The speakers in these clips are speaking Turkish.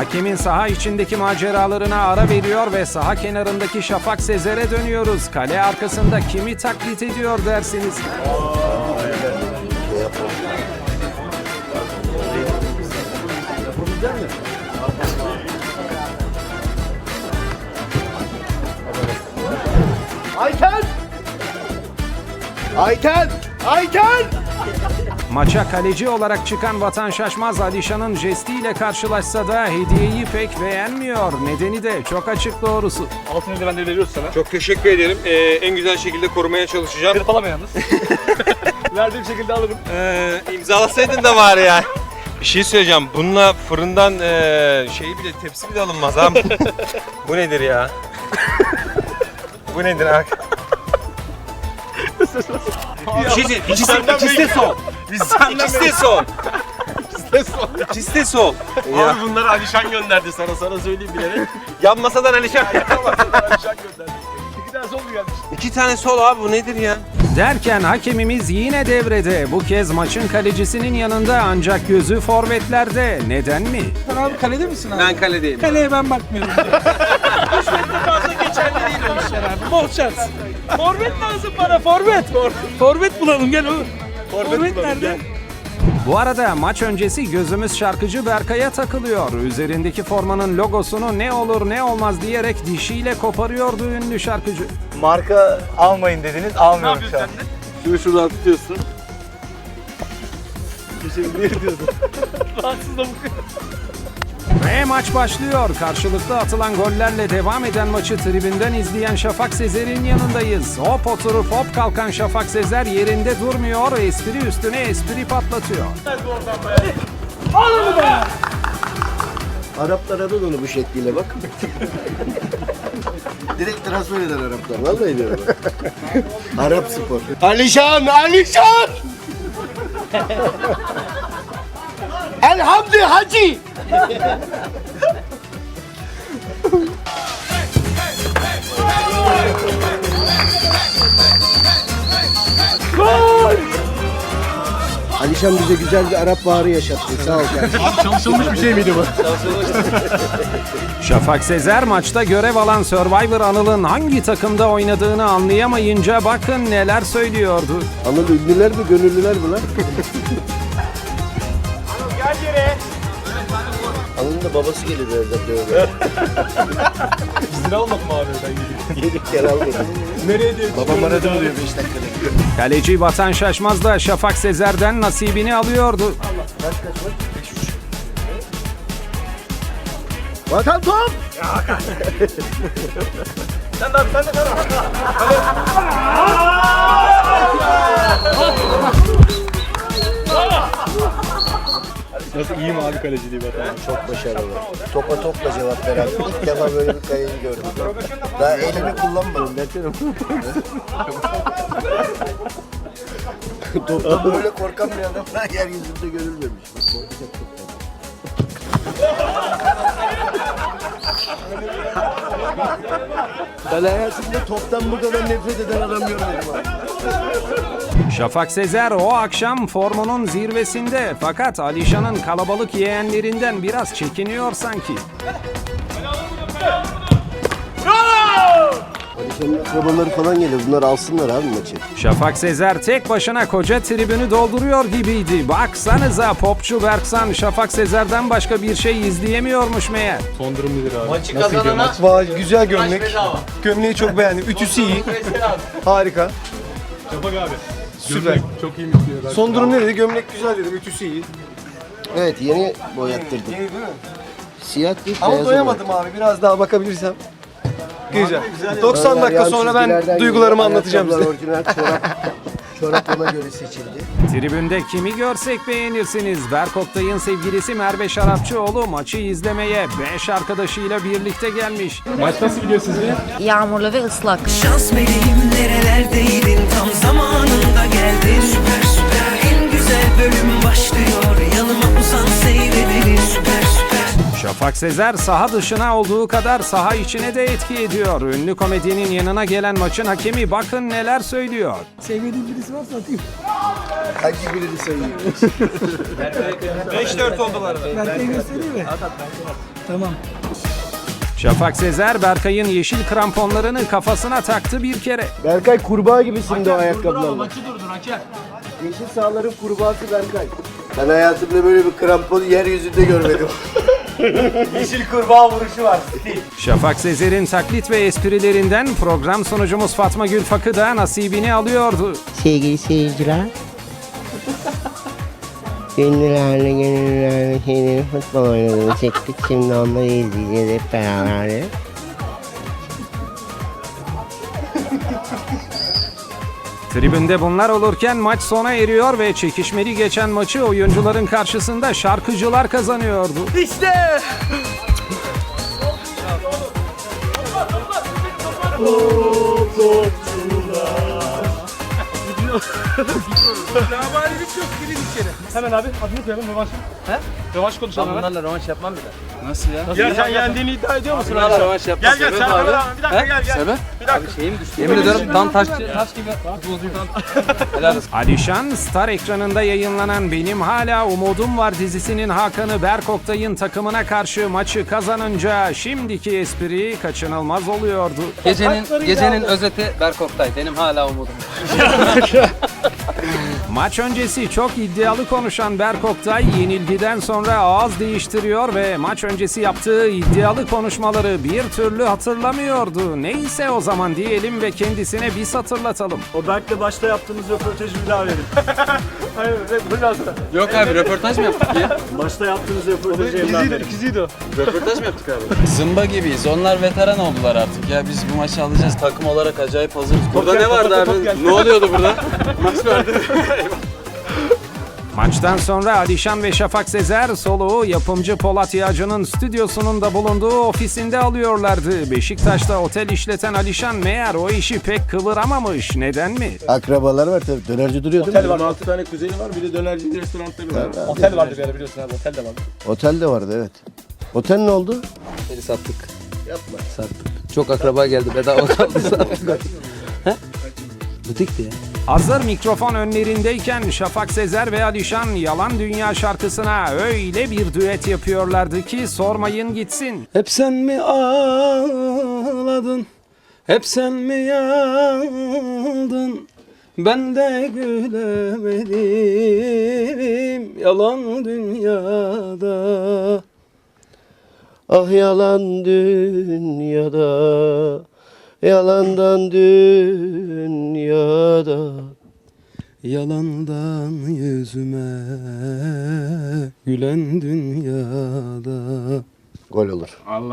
Hakemin saha içindeki maceralarına ara veriyor ve saha kenarındaki Şafak Sezer'e dönüyoruz. Kale arkasında kimi taklit ediyor dersiniz? Ayten! Ayten! Ayten! Maça kaleci olarak çıkan Vatan Şaşmaz Alişan'ın jestiyle karşılaşsa da hediyeyi pek beğenmiyor. Nedeni de çok açık doğrusu. Altın eldivenleri veriyoruz sana. Çok teşekkür ederim. En güzel şekilde korumaya çalışacağım. Hırpalama yalnız. Verdiğim şekilde alırım. İmzalasaydın da var ya. Bir şey söyleyeceğim. Bununla fırından şeyi bile tepsi bile alınmaz ha. Bu nedir ya? Bu nedir abi? İkisi de sol. İkisi de sol. İkisi de sol. Abi bunları Alişan gönderdi sana söyleyeyim bilerek. Yan masadan Alişan. Alişan gönderdi. 2 tane sol mu gelmiş? 2 tane sol abi, bu nedir ya? Derken hakemimiz yine devrede. Bu kez maçın kalecisinin yanında ancak gözü forvetlerde. Neden mi? Sen abi kalede misin abi? Ben kaledeyim. Kaleye ben bakmıyorum. 3 metre fazla geçerli değil o işler abi. Bol şans. Forvet lazım bana, forvet. Forvet bulalım, gel oğlum. Forvet nerede? Bu arada maç öncesi gözümüz şarkıcı Berkay'a takılıyor. Üzerindeki formanın logosunu ne olur ne olmaz diyerek dişiyle koparıyordu ünlü şarkıcı. Marka almayın dediniz, almıyorum şu an. Şunu şuradan tutuyorsun. Bir diyorsun. Rahatsız da bu. Ve maç başlıyor. Karşılıklı atılan gollerle devam eden maçı tribünden izleyen Şafak Sezer'in yanındayız. Hop oturup hop kalkan Şafak Sezer yerinde durmuyor. Espri üstüne espri patlatıyor. Araplar alır onu bu şekliyle bak. Direkt transfer eder Araplar. Vallahi diyorum. Arap spor. Alişan! Alişan! Elhamdü Hacı! Alişan bize güzel bir Arap baharı yaşattı. Sağ ol kardeşim. Çalışılmış bir şey miydi bu? Şafak Sezer maçta görev alan Survivor Anıl'ın hangi takımda oynadığını anlayamayınca bakın neler söylüyordu. Anıl ünlüler mi, gönüllüler mi lan? Anıl'ın da babası gelir birazdan böyle. Bizden almadım abi ben gidip. Gelip gel almadım. Nereye diye. Babam aradı mı diyor 5 dakikada. Kaleci Vatan Şaşmaz da Şafak Sezer'den nasibini alıyordu. Kaç? 5-3. Vatan top! Sen de abi sen de. Nasıl, iyi mi abi kaleciliği Vatan? Çok başarılı. Topa topla cevap veren. İlk defa böyle bir kayayı gördüm. Daha elimi kullanmadım. Topla böyle korkan bir adam daha yeryüzünde görülmemiş. Ben hayatımda toptan bu kadar nefret eden adam görmedim abi. Şafak Sezer o akşam formunun zirvesinde fakat Alişan'ın kalabalık yeğenlerinden biraz çekiniyor sanki. Alişan'ın akrabaları falan geliyor. Bunlar alsınlar abi maçı. Şafak Sezer tek başına koca tribünü dolduruyor gibiydi. Baksanıza popçu Berksan Şafak Sezer'den başka bir şey izleyemiyormuş meğer. Son durum nedir abi? Maçı kazanana Vay güzel gömlek. Gömleği çok beğendim. Ütüsü iyi. Harika. Şafak abi. Süper. Çok iyi mi diyor? Son durum ne dedi? Gömlek güzel dedim. Ütüsü iyi. Evet yeni boyattırdım. Yeni değil mi? Siyah değil. Ama doyamadım abi. Biraz daha bakabilirsem. Güzel. 90 dakika sonra ben duygularımı anlatacağım size. Orijinal çorap ona göre seçildi. Tribünde kimi görsek beğenirsiniz. Berk Oktay'ın sevgilisi Merve Şarapçıoğlu maçı izlemeye 5 arkadaşıyla birlikte gelmiş. Maç nasıl gidiyor sizce? Yağmurlu ve ıslak. Şans meleğim nerelerdeydin, tam zamanında geldin. Süper süper, en güzel bölüm başlıyor. Yanıma uzan seyredelim. Süper süper. Şafak Sezer saha dışına olduğu kadar saha içine de etki ediyor. Ünlü komedyenin yanına gelen maçın hakemi bakın neler söylüyor. Sevmediğin birisi varsa atayım. Hangi birini sayayım? 5-4 oldular. Berkay'ı göstereyim mi? Tamam. Şafak Sezer, Berkay'ın yeşil kramponlarını kafasına taktı bir kere. Berkay kurbağa gibisin de o ayakkabılarla. Maçı durdur hakem. Yeşil sahaların kurbağası Berkay. Ben hayatımda böyle bir kramponu yeryüzünde görmedim. Yeşil kurbağa vuruşu var. Şafak Sezer'in taklit ve esprilerinden program sunucumuz Fatma Gülfakı da nasibini alıyordu. Sevgili seyirciler. Gönüllerle şeyleri futbol oynadığını çektik. Şimdi onları izleyeceğiz hep beraber. Tribünde bunlar olurken maç sona eriyor ve çekişmeli geçen maçı oyuncuların karşısında şarkıcılar kazanıyordu. Laballik yok, girin içeri. Hemen abi, adını koyalım, rövanş. He? Rövanş konuşalım hemen. Bunlarla rövanş yapmam bile. Nasıl ya? Ya sen yendiğini iddia ediyor musun? Bunlarla rövanş yapmam. Gel Serkan abi. Bir dakika gel. Sebep? Bir dakika. Yemin ediyorum tam taş gibi. Helal olsun. Alişan, Star ekranında yayınlanan Benim Hala Umudum Var dizisinin Hakan'ı Berk Oktay'ın takımına karşı maçı kazanınca şimdiki espri kaçınılmaz oluyordu. Gecenin özeti Berk Oktay. Benim hala umudum. Maç öncesi çok iddialı konuşan Berk Oktay yenilgiden sonra ağız değiştiriyor ve maç öncesi yaptığı iddialı konuşmaları bir türlü hatırlamıyordu. Neyse o zaman diyelim ve kendisine biz hatırlatalım. O Berk'le başta yaptığımız röportajı bir daha verin. Hayır, biraz da. Yok abi röportaj mı yaptık ya? Başta yaptığımız röportajı yeniden verin. İkiziydi o. Röportaj mı yaptık abi? Zımba gibiyiz. Onlar veteran oldular artık ya. Biz bu maçı alacağız. Takım olarak acayip hazırız. Burada ne vardı abi? Ne oluyordu burada? Maç vardı. Maçtan sonra Alişan ve Şafak Sezer soluğu yapımcı Polat Yağcı'nın stüdyosunun da bulunduğu ofisinde alıyorlardı. Beşiktaş'ta otel işleten Alişan meğer o işi pek kıvıramamış. Neden mi? Akrabalar var tabii. Dönerci duruyor değil mi? Otel var, 6 tane kuzeni var, bir de dönerci restoranları var. Otel vardı bir ara biliyorsun abi, otel de vardı. Otel de vardı evet. Otel ne oldu? Oteli sattık. Yapma. Sattık. Çok akraba geldi. Bedava kaldı sattık. He? Butikti ya. Hazır mikrofon önlerindeyken Şafak Sezer ve Alişan Yalan Dünya şarkısına öyle bir düet yapıyorlardı ki sormayın gitsin. Hep sen mi ağladın? Hep sen mi yandın? Ben de gülemedim yalan dünyada. Ah yalan dünyada, yalandan dünyada. Yalandan yüzüme gülen dünyada. Gol olur.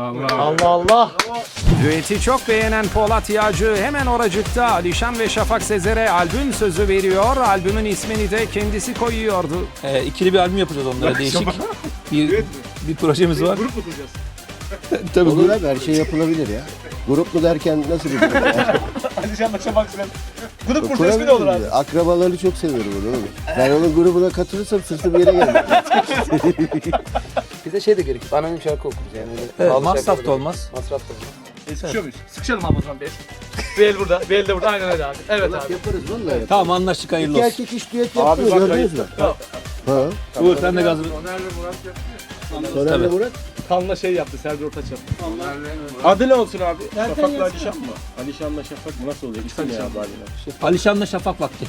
Düeti çok beğenen Polat Yağcı hemen oracıkta Alişan ve Şafak Sezer'e albüm sözü veriyor. Albümün ismini de kendisi koyuyordu. İkili bir albüm yapacağız onlara değişik. bir projemiz var. Grup mu kuracağız? Tabii Olur abi her şey yapılabilir ya. Gruplu derken nasıl bir grup ya? Alişan'la Şafak Sezer. Grup kursa ismi de olur abi. Akrabalarını çok seviyorum onu oğlum. Ben onun grubuna katılırsam sırtım yere gelmem. Bir de şey de gerek. Anonim şarkı okuruz yani. Evet, masraf da olmaz. Masraf da olmaz. Sıkışıyor muyuz? Sıkışalım abi o zaman bir. Bir el burada, bir el de burada. Aynen öyle abi. Evet abi. Yaparız vallahi yaparız. Tamam anlaştık hayırlı İki olsun. erkek iş düet yaptı mı gördünüz mü? Ha. Uğur sen de gazını. Soner'le Murat. Kanla şey yaptı, Serdar Ortaç yaptı. Adı ne olsun abi? Şafak'la Alişan mı? Alişan'la Şafak nasıl oluyor? İsim ne abi Alişan? Alişan'la Şafak vakti.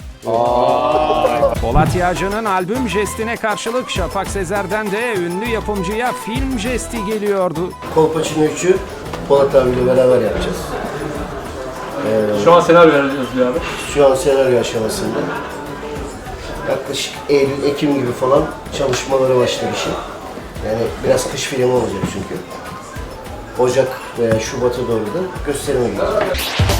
Polat Yağcı'nın albüm jestine karşılık Şafak Sezer'den de ünlü yapımcıya film jesti geliyordu. Kolpaçino 3'ü Polat abiyle beraber yapacağız. Şu an senaryo yazılıyor abi. Şu an senaryo aşamasında. Yaklaşık Eylül, Ekim gibi falan çalışmaları başlar işin. Yani biraz kış filmi olacak çünkü. Ocak veya Şubat'a doğru da gösterime gidecek.